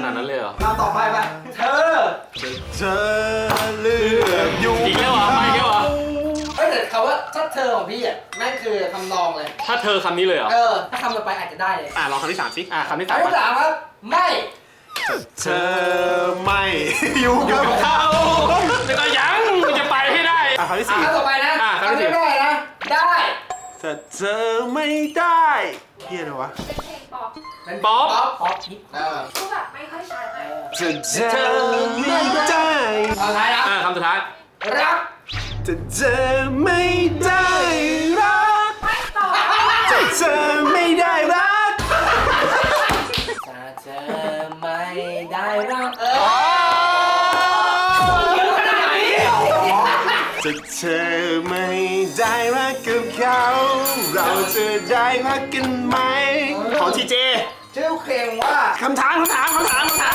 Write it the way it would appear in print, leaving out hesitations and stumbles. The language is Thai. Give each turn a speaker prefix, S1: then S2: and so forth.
S1: นาดนั้นเลยเหรอ
S2: เราต่อไปป่ะเธอ
S3: เลือกอยู่
S1: อีกแล้วเหรอไม่อีกแล้วเหรอ
S2: เฮ้ยแต่คำว่าถ้าเธอของพี่อ่ะแม่งคือคำนองเลย
S1: ถ้าเธอคำนี้เลยเหรอ
S2: ถ้าคำต่อไปอาจจะได้เลย
S1: ลองคำที่3สิคำที่
S2: คำที่
S1: 3
S2: สามครับไม่
S3: เธอไม่อยู่กับเขา
S1: แต่ก็ยังมันจะไปให้ได้
S3: คำที่4
S2: คำต่อไปนะ
S1: คำที่
S2: ได้นะได้
S3: แต่เธอไม่ได้เฮียอะไรวะ
S4: เป็นเพลงป๊อป
S2: เป็นป๊อปนิด
S4: พูดแบบไม่ค่อยชัดเลย
S3: เธอไม่ได้
S2: สุดท้ายนะ
S1: คำสุดท้าย
S2: รัก
S3: แต่เธอไม่ได้รัก
S4: ไม่ตอบ
S3: แต่เธอไม่ได้รัก
S2: ถ้าเธอไม่ได้รัก
S3: จะเธอไม่ได้รักกับเขาเราจะได้รักกันไหมของทีเจ
S2: ชื่อเพลงว่า
S3: คำถาม